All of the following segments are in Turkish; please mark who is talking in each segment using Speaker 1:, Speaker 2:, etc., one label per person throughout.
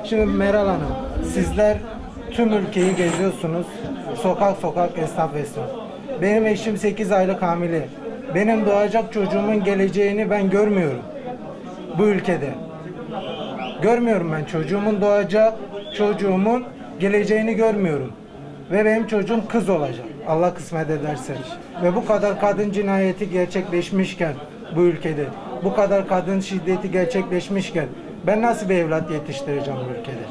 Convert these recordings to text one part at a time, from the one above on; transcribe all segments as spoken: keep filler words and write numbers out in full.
Speaker 1: Şimdi Meral Hanım, sizler tüm ülkeyi geziyorsunuz. Sokak sokak, esnaf esnaf. Benim eşim sekiz aylık hamile. Benim doğacak çocuğumun geleceğini ben görmüyorum. Bu ülkede. Görmüyorum ben çocuğumun doğacak çocuğumun geleceğini görmüyorum. Ve benim çocuğum kız olacak. Allah kısmet ederse. Ve bu kadar kadın cinayeti gerçekleşmişken bu ülkede, bu kadar kadın şiddeti gerçekleşmişken ben nasıl bir evlat yetiştireceğim bu ülkede?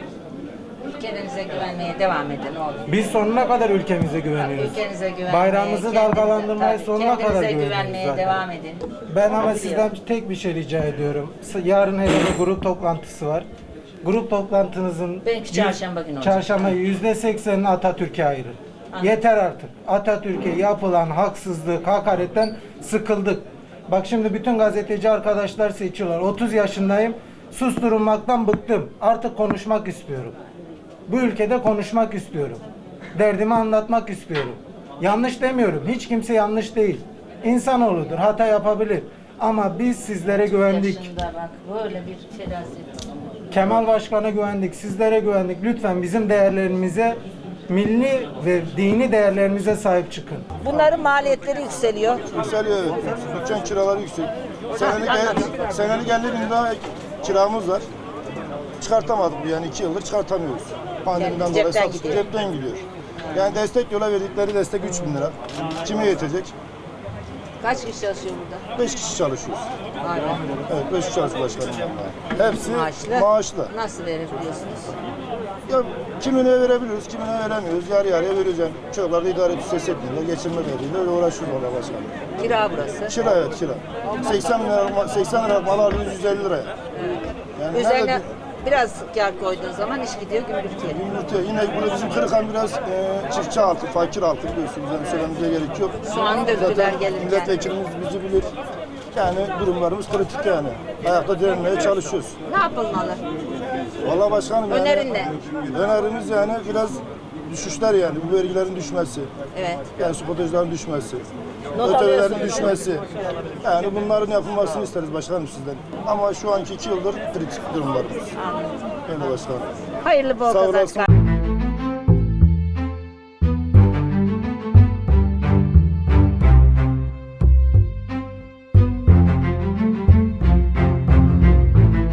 Speaker 2: Ülkenize güvenmeye devam edin oğlum.
Speaker 1: Biz sonuna kadar ülkemize güveniyoruz.
Speaker 2: Ülkenize güvenmeye,
Speaker 1: Bayrağımızı dalgalandırmaya
Speaker 2: tabii,
Speaker 1: sonuna kadar
Speaker 2: kendinize
Speaker 1: güveniyoruz
Speaker 2: güvenmeye
Speaker 1: zaten.
Speaker 2: devam edin.
Speaker 1: Ben ama
Speaker 2: Biliyorum.
Speaker 1: sizden tek bir şey rica ediyorum. Yarın hele bir grup toplantısı var. Grup toplantınızın
Speaker 2: Belki çarşamba günü olacak.
Speaker 1: çarşamba yüzde seksenini Atatürk'e ayırın.
Speaker 2: Anladım.
Speaker 1: Yeter artık. Atatürk'e yapılan haksızlık, hakaretten sıkıldık. Bak şimdi bütün gazeteci arkadaşlar seçiyorlar. otuz yaşındayım. Susturulmaktan bıktım. Artık konuşmak istiyorum. Bu ülkede konuşmak istiyorum. Derdimi anlatmak istiyorum. Yanlış demiyorum. Hiç kimse yanlış değil. İnsanoğludur. Hata yapabilir. Ama biz sizlere güvendik.
Speaker 2: Yaşında bak böyle bir felaket.
Speaker 1: Kemal Başkan'a güvendik. Sizlere güvendik. Lütfen bizim değerlerimize, milli ve dini değerlerimize sahip çıkın.
Speaker 3: Bunların maliyetleri yükseliyor.
Speaker 4: Yükseliyor evet. Dükkan kiraları yüksek. Senelik, el, senelik elli bin lira kiramız var. Çıkartamadık yani iki yıldır çıkartamıyoruz. Pandemiden
Speaker 3: Yani
Speaker 4: dolayı
Speaker 3: cepten
Speaker 4: satış
Speaker 3: gidiyor.
Speaker 4: cepten gidiyor. Yani destek yola verdikleri destek üç bin lira. Kime yetecek?
Speaker 3: Kaç kişi çalışıyor burada?
Speaker 4: beş kişi çalışıyoruz.
Speaker 3: Aynen.
Speaker 4: Evet beş kişi çalışıyor başkanım. Hepsi
Speaker 3: Maaşlı.
Speaker 4: maaşlı.
Speaker 3: Nasıl verebiliyorsunuz?
Speaker 4: Ya kimine verebiliyoruz, kimine veremiyoruz. Yarı yarıya vereceğiz. Yani çocuklar da idare etüsü setliğinde, geçirme derdiyle öyle uğraşıyoruz valla başkanım.
Speaker 3: Kira burası.
Speaker 4: Kira evet kira. seksen lira, seksen lira mal alıyoruz yüz elli liraya. Yani
Speaker 3: Üzerine
Speaker 4: nerede-
Speaker 3: biraz kar koyduğun zaman iş gidiyor gümrükçüye.
Speaker 4: Yumurtaya. Yine burada bizim Kırıkhan biraz e, çiftçi altı, fakir altı biliyorsunuz. Yani söylememize gerek yok.
Speaker 3: Soğan döktüler
Speaker 4: Zaten
Speaker 3: gelirken.
Speaker 4: milletvekilimiz bizi bilir. Yani durumlarımız kritik yani. Ayakta direnmeye çalışıyoruz.
Speaker 3: Ne yapılmalı?
Speaker 4: Vallahi başkanım yani.
Speaker 3: Önerin ne?
Speaker 4: Önerimiz yani biraz düşüşler yani. Bu vergilerin düşmesi.
Speaker 3: Evet.
Speaker 4: Yani spotajların düşmesi.
Speaker 3: Not
Speaker 4: Ötelerin
Speaker 3: alıyorsunuz.
Speaker 4: düşmesi. Yani bunların yapılmasını isteriz başkanım sizden. Ama şu anki iki yıldır kritik durumlarımız.
Speaker 3: Anladım.
Speaker 4: Öyle başkanım.
Speaker 3: Hayırlı bol
Speaker 4: Sağ
Speaker 3: kazançlar.
Speaker 4: olasın.